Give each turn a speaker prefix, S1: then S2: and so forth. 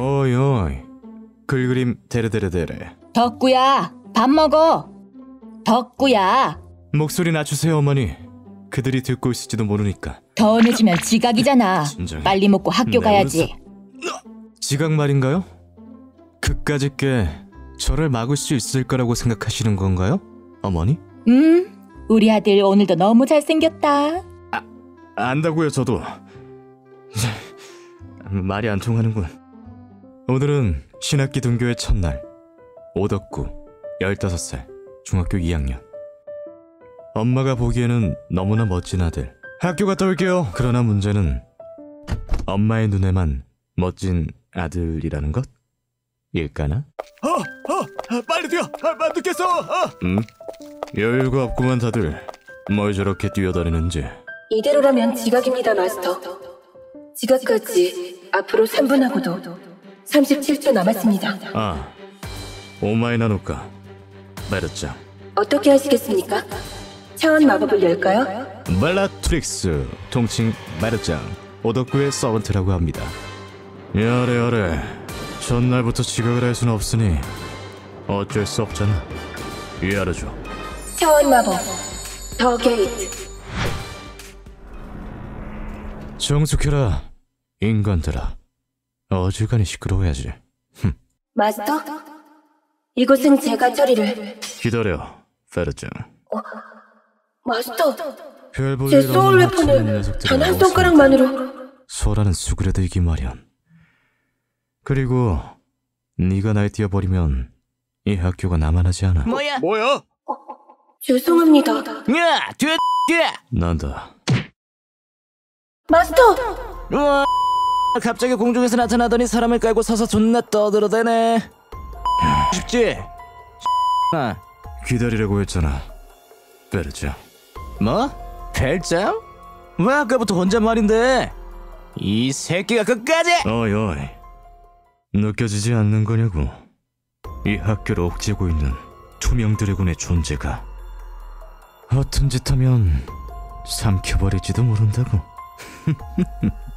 S1: 어이 어이, 글그림 데레데레데레.
S2: 덕구야, 밥 먹어. 덕구야.
S1: 목소리 낮추세요 어머니. 그들이 듣고 있을지도 모르니까.
S2: 더 늦으면 지각이잖아.
S1: 진정해.
S2: 빨리 먹고 학교
S1: 네,
S2: 가야지.
S1: 지각 말인가요? 그까짓 게 저를 막을 수 있을 거라고 생각하시는 건가요? 어머니?
S2: 우리 아들 오늘도 너무 잘생겼다.
S1: 안다고요 저도. 말이 안 통하는군. 오늘은 신학기 등교의 첫날. 오덕구 15살 중학교 2학년. 엄마가 보기에는 너무나 멋진 아들. 학교 갔다 올게요. 그러나 문제는 엄마의 눈에만 멋진 아들이라는 것? 일까나? 빨리 뛰어! 늦겠어! 여유가 없구만 다들. 뭘 저렇게 뛰어다니는지.
S3: 이대로라면 지각입니다, 마스터. 지각까지 앞으로 3분하고도 37초 남았습니다.
S1: 오마이 나노카 메르짱.
S3: 어떻게 하시겠습니까? 차원 마법을 열까요?
S1: 벨라트릭스, 통칭 메르짱, 오덕구의 서번트라고 합니다. 야래 전날부터 지각을 할 수는 없으니 어쩔 수 없잖아. 이해하죠.
S3: 차원 마법 더 게이트.
S1: 정숙해라 인간들아. 어지간히 시끄러워야지.
S3: 마스터? 이곳은 제가 처리를.
S1: 기다려 페르짱.
S3: 마스터,
S1: 별볼일
S3: 제
S1: 없는
S3: 소울
S1: 하찮은
S3: 웨폰을
S1: 녀석들이
S3: 단 한
S1: 나오시니까
S3: 손가락만으로.
S1: 소라는 수그려들기 마련. 그리고 네가 날 띄워버리면 이 학교가 나만하지 않아.
S4: 뭐야?
S3: 죄송합니다.
S4: 야, 뒤에
S1: 난다.
S3: 마스터!
S4: 우와, 갑자기 공중에서 나타나더니 사람을 깔고 서서 존나 떠들어대네. 쉽지?
S1: 기다리라고 했잖아 페르짱.
S4: 뭐? 별장? 왜 아까부터 혼잣말인데? 이 새끼가 끝까지!
S1: 어이 느껴지지 않는 거냐고. 이 학교를 옥죄고 있는 투명 드래곤의 존재가 허튼 짓 하면 삼켜버릴지도 모른다고.